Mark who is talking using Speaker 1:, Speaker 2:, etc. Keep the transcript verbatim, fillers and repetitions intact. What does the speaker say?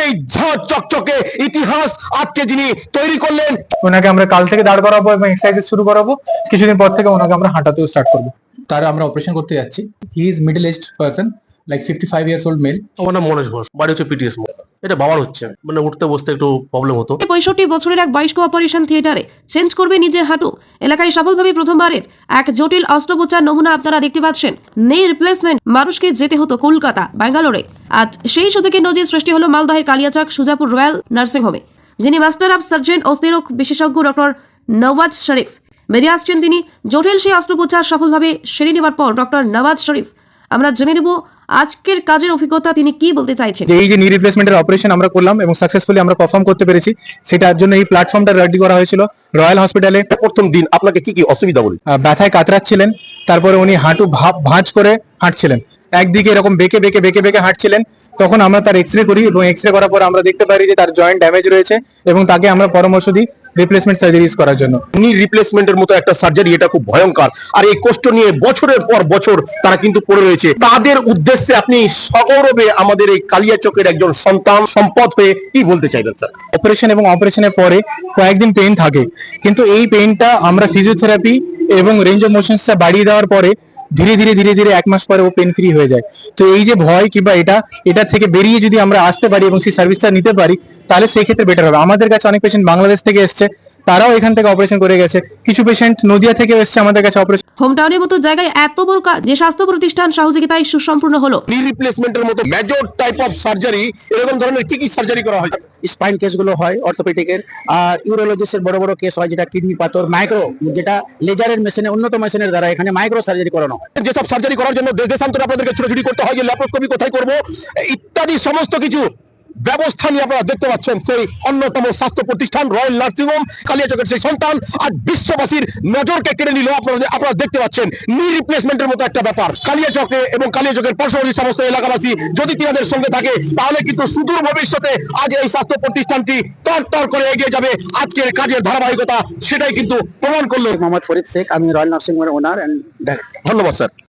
Speaker 1: এই ঝড় চকচকে ইতিহাস আজকে যিনি তৈরি করলেন।
Speaker 2: ওনাকে আমরা কাল থেকে দাঁড় করাবো এবং এক্সারসাইজ শুরু করাবো। কিছুদিন পর থেকে ওনাকে আমরা হাঁটাতেও স্টার্ট করবো। তার আমরা অপারেশন করতে যাচ্ছি। He is middle aged person, like fifty five years old male.
Speaker 3: আমার নাম মনোজ ঘোষ, বাড়ি হচ্ছে পিটিএস মোড়। এটা বাবার হচ্ছে, মানে উঠতে বসতে একটু প্রবলেম হতো।
Speaker 4: পঁয়ষট্টি বছরের এক বয়স্ক অপারেশন থিয়েটারে চেঞ্জ করবে নিজের হাঁটু। এলাকায় সফলভাবে প্রথমবারের এক জটিল অস্ত্রোপচার নমুনা আপনারা দেখতে পাচ্ছেন। নি রিপ্লেসমেন্ট, মানুষকে যেতে হতো কলকাতা, ব্যাঙ্গালোরে। আজ সেই সুযোগে নজির সৃষ্টি হলো মালদহের কালিয়াচক সুজাপুর রয়্যাল নার্সিং হোমে। যিনি মাস্টার অফ সার্জন ও স্ত্রীরোগ বিশেষজ্ঞ ডক্টর নওয়াজ শরীফ বেরিয়ে আসছেন। তিনি জটিল সেই অস্ত্রোপচার সফলভাবে সেরে নেওয়ার পর ডক্টর নওয়াজ শরীফ আমরা জেনে নেব আজকের কাজের অভিজ্ঞতা তিনি কি বলতে চাইছেন।
Speaker 2: যে এই যে নি রিপ্লেসমেন্টের অপারেশন আমরা করলাম এবং সাকসেসফুলি আমরা পারফর্ম করতে পেরেছি, সেটার জন্য এই প্ল্যাটফর্মটা রেডি করা হয়েছিল রয়্যাল হসপিটালে।
Speaker 1: প্রথম দিন আপনাকে কি কি অসুবিধা বলি?
Speaker 2: আহ, ব্যথায় কাতরাচ্ছিলেন, তারপরে উনি হাঁটু ভাব ভাঁজ করে হাঁটছিলেন, একদিকে এরকম বেঁকে বেঁকে বেঁকে বেঁকে হাঁটছিলেন। তখন আমরা তার এক্স রে করি এবং এক্স রে করার পর আমরা দেখতে পারি যে তার জয়েন্ট ড্যামেজ রয়েছে এবং তাকে আমরা পরামর্শ দিই রিপ্লেসমেন্ট সার্জারিজ করার জন্য।
Speaker 1: নি রিপ্লেসমেন্টের মতো একটা সার্জারি, এটা খুব ভয়ঙ্কর। আর এই কষ্ট নিয়ে বছরের পর বছর তারা কিন্তু পড়ে রয়েছে। তাদের উদ্দেশ্যে আপনি সগৌরবে আমাদের এই কালিয়াচকের একজন সন্তান সম্পদ হয়ে কি বলতে চাইবেন স্যার?
Speaker 2: অপারেশন এবং অপারেশনের পরে কয়েকদিন পেইন থাকে, কিন্তু এই পেইনটা আমরা ফিজিওথেরাপি এবং রেঞ্জ অফ মোশনসটা বাড়িয়ে দেওয়ার পরে ধীরে ধীরে ধীরে ধীরে এক মাস পরে ও পেন ফ্রি হয়ে যায়। তো এই যে ভয় কিংবা এটা এটার থেকে বেরিয়ে যদি আমরা আসতে পারি এবং সেই সার্ভিসটা নিতে পারি, তাহলে সেই ক্ষেত্রে বেটার হবে। আমাদের কাছে অনেক পেশেন্ট বাংলাদেশ থেকে এসছে, তারাও এখান থেকে অপারেশন করে গেছে। কিছু পেশেন্ট নদিয়া থেকে এসছে আমাদের কাছে অপারেশন।
Speaker 4: হোম টাউনের মতো জায়গায় এত বড় কাজ যে স্বাস্থ্য প্রতিষ্ঠান সহযোগিতায় সুসম্পূর্ণ হলো।
Speaker 1: নি রিপ্লেসমেন্টের মতো মেজর টাইপ অফ সার্জারি, এরকম ধরনের কি কি সার্জারি করা হয়?
Speaker 5: স্পাইন কেসগুলো হয় অর্থোপেডিকের, আর ইউরোলজিস্টের বড় বড় কেস হয় যেটা কিডনি পাথর, মাইক্রো, যেটা লেজারের মেশিনে উন্নত মেশিনের দ্বারা এখানে মাইক্রো সার্জারি করানো হয়।
Speaker 1: যেসব সার্জারি করার জন্য দেশ দেশান্তরে আপনাদেরকে ছুটোছুটি করতে হয়, যে ল্যাপ্রোস্কোপি কোথায় করবো ইত্যাদি সমস্ত কিছু ব্যবস্থা নিয়ে আপনারা দেখতে পাচ্ছেন সেই অন্যতম স্বাস্থ্য প্রতিষ্ঠান রয়্যাল নার্সিং হোম কালিয়াচকের সেই সন্তান আজ বিশ্ববাসীর নজরকে কেড়ে নিল। আপনারা আপনারা দেখতে পাচ্ছেন নি রিপ্লেসমেন্টের মতো একটা ব্যাপার। কালিয়াচকে এবং কালিয়াচকের পার্শ্ববর্তী সমস্ত এলাকাবাসী যদি তিনাদের সঙ্গে থাকে, তাহলে কিন্তু সুদূর ভবিষ্যতে আজ এই স্বাস্থ্য প্রতিষ্ঠানটি তর তর করে এগিয়ে যাবে। আজকের কাজের ধারাবাহিকতা সেটাই কিন্তু প্রমাণ করলো।
Speaker 5: মোহাম্মদ ফরিদ শেখ, আমি রয়্যাল নার্সিং হোমের ওনার এন্ড ডাইরেক্টর।
Speaker 1: ধন্যবাদ স্যার।